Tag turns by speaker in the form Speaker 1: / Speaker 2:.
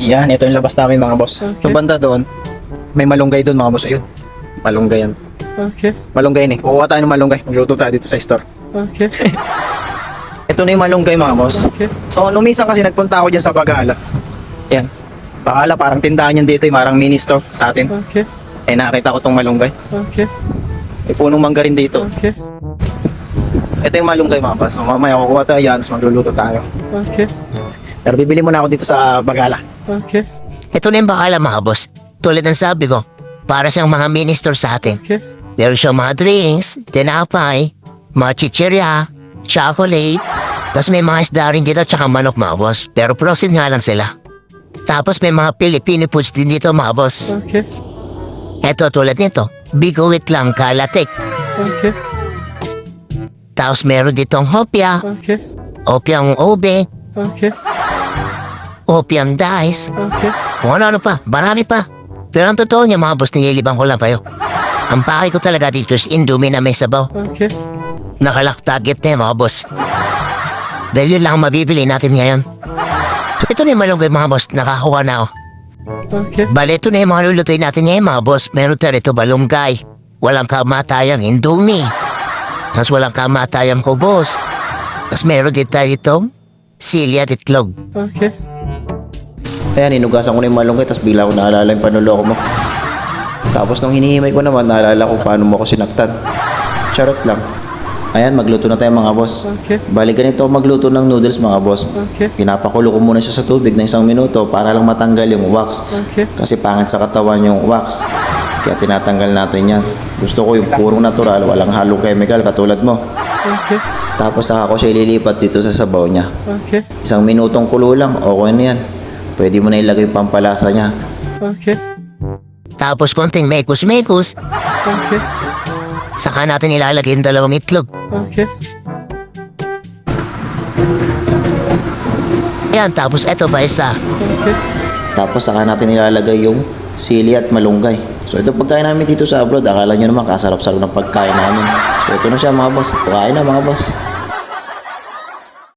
Speaker 1: Yan, ito yung labas namin mga boss.
Speaker 2: Okay.
Speaker 1: Yung banda doon, may malunggay doon mga boss. Ayun, malunggay yan.
Speaker 2: Okay.
Speaker 1: Malunggay ni. Kukuha tayo ng malunggay. Magluto tayo dito sa store.
Speaker 2: Okay.
Speaker 1: Ito na yung malunggay mga boss.
Speaker 2: Okay.
Speaker 1: So, nung minsan kasi nagpunta ako dyan sa Bagala. Yan. Bagala, parang tindahan yan dito. Parang mini store sa atin.
Speaker 2: Okay.
Speaker 1: Eh, nakita ko tong malunggay.
Speaker 2: Okay.
Speaker 1: May punong mangga rin dito.
Speaker 2: Okay.
Speaker 1: So, ito yung malunggay mga boss. So, mamaya kukuha tayo yan. So, magluluto tayo.
Speaker 2: Okay.
Speaker 1: Pero bibili muna ako dito sa Bagala.
Speaker 2: Okay.
Speaker 3: Ito na yung bakala mga boss. Tulad ng sabi ko, para siyang mga mini-store sa atin.
Speaker 2: Okay.
Speaker 3: Meron siyang mga drinks, tinapay, mga chichirya, chocolate, tapos may mga isda rin dito tsaka manok mga boss. Pero proxy nga lang sila. Tapos may mga Filipino foods din dito mga boss.
Speaker 2: Okay.
Speaker 3: Ito tulad nito, bigowit lang kalatik.
Speaker 2: Okay.
Speaker 3: Tapos meron ditong hopya,
Speaker 2: Okay.
Speaker 3: opiang ube,
Speaker 2: Okay.
Speaker 3: opiang dice,
Speaker 2: Okay.
Speaker 3: kung ano-ano pa, marami pa. Pero ang totoo niya mga boss, nililibang ko lang kayo. Ang pakay ko talaga dito is Indomie na may sabaw.
Speaker 2: Okay.
Speaker 3: Nakalock target na mga boss. Dahil yun lang ang mabibili natin ngayon. Ito na yung malunggay mga boss, nakakuha na ako.
Speaker 2: Okay.
Speaker 3: Bale, ito na yung mga lulutuin natin ngayon mga boss. Meron tayo rito balunggay. Walang kamatayang Indomie. Tapos walang kamatayang kubos. Tapos meron din tayo itong silya at itlog.
Speaker 2: Okay.
Speaker 1: Ayan, inugasan ko na yung malunggay. Tapos bigla ko naalala yung panuloko mo. Tapos nung hinihimay ko naman, naalala ko paano mo ako sinaktan. Charot lang. Ayan, magluto na tayo mga boss.
Speaker 2: Okay.
Speaker 1: Bali ganito ako magluto ng noodles mga boss.
Speaker 2: Okay.
Speaker 1: Pinapakulo ko muna siya sa tubig ng 1 minuto para lang matanggal yung wax.
Speaker 2: Okay.
Speaker 1: Kasi pangit sa katawan yung wax. Kaya tinatanggal natin yan. Gusto ko yung purong natural, walang halong chemical katulad mo.
Speaker 2: Okay.
Speaker 1: Tapos saka ko siya ililipat dito sa sabaw niya.
Speaker 2: Okay.
Speaker 1: 1 minutong kulo lang, okay na yan. Pwede mo na ilagay yung pampalasa niya.
Speaker 2: Okay.
Speaker 3: Tapos konting mekus-mekus.
Speaker 2: Okay.
Speaker 3: Saka natin ilalagay yung 2 itlog.
Speaker 2: Okay.
Speaker 3: Ayan, tapos eto pa isa.
Speaker 2: Okay.
Speaker 1: Tapos saka natin ilalagay yung sili at malunggay. So ito pagkain namin dito sa abroad, akala nyo naman kasarap-sarap ng pagkain namin. So ito na siya mga boss. Pagkain na mga boss.